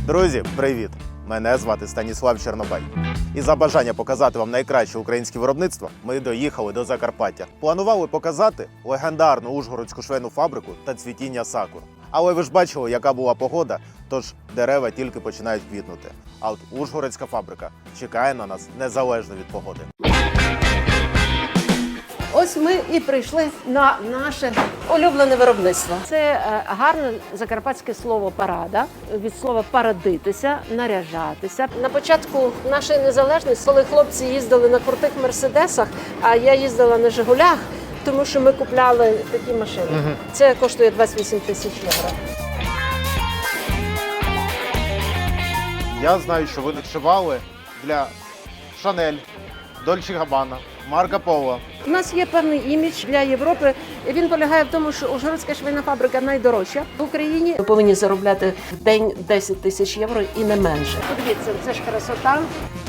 Друзі, привіт! Мене звати Станіслав Чорнобай. І за бажання показати вам найкраще українське виробництво, ми доїхали до Закарпаття. Планували показати легендарну ужгородську швейну фабрику та цвітіння сакур. Але ви ж бачили, яка була погода, тож дерева тільки починають квітнути. А от ужгородська фабрика чекає на нас незалежно від погоди. Ось ми і прийшли на наше улюблене виробництво. Це гарне закарпатське слово «парада», від слова «парадитися», «наряжатися». На початку нашої незалежності, коли хлопці їздили на крутих «Мерседесах», а я їздила на «Жигулях», тому що ми купляли такі машини. Це коштує 28 тисяч євро. Я знаю, що ви відшивали для Шанель, Дольче Габбана, Марко Поло. У нас є певний імідж для Європи. Він полягає в тому, що ужгородська швейна фабрика найдорожча в Україні. Ми повинні заробляти в день 10 тисяч євро і не менше. Подивіться, це ж красота.